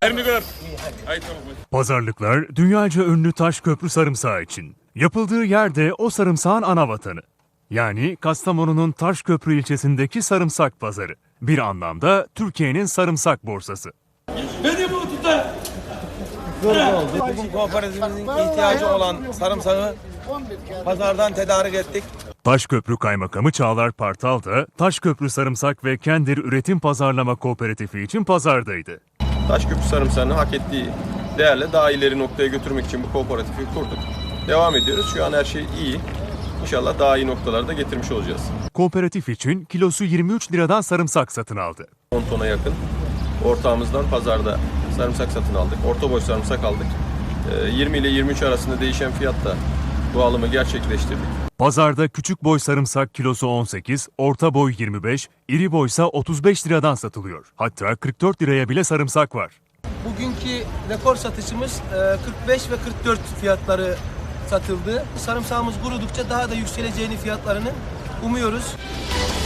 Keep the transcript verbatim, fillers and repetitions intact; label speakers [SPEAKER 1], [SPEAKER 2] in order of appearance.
[SPEAKER 1] Pazarlıklar dünyaca ünlü Taşköprü sarımsağı için. Yapıldığı yerde o sarımsağın ana vatanı. Yani Kastamonu'nun Taşköprü ilçesindeki sarımsak pazarı. Bir anlamda Türkiye'nin sarımsak borsası.
[SPEAKER 2] Beni bu tutar.
[SPEAKER 3] Bugün kooperatifimizin ihtiyacı olan sarımsağı pazardan tedarik ettik.
[SPEAKER 1] Taşköprü Kaymakamı Çağlar Partal da Taşköprü Sarımsak ve Kendir Üretim Pazarlama Kooperatifi için pazardaydı.
[SPEAKER 4] Taşköprü sarımsağını hak ettiği değerle daha ileri noktaya götürmek için bu kooperatifi kurduk. Devam ediyoruz. Şu an her şey iyi. İnşallah daha iyi noktalarda getirmiş olacağız.
[SPEAKER 1] Kooperatif için kilosu yirmi üç liradan sarımsak satın aldı.
[SPEAKER 4] on tona yakın ortağımızdan pazarda sarımsak satın aldık. Orta boy sarımsak aldık. yirmi ile yirmi üç arasında değişen fiyatta bu alımı gerçekleştirdik.
[SPEAKER 1] Pazarda küçük boy sarımsak kilosu on sekiz, orta boy yirmi beş, iri boysa otuz beş liradan satılıyor. Hatta kırk dört liraya bile sarımsak var.
[SPEAKER 5] Bugünkü rekor satışımız kırk beş ve kırk dört fiyatları satıldı. Sarımsağımız kurudukça daha da yükseleceğini fiyatlarını umuyoruz.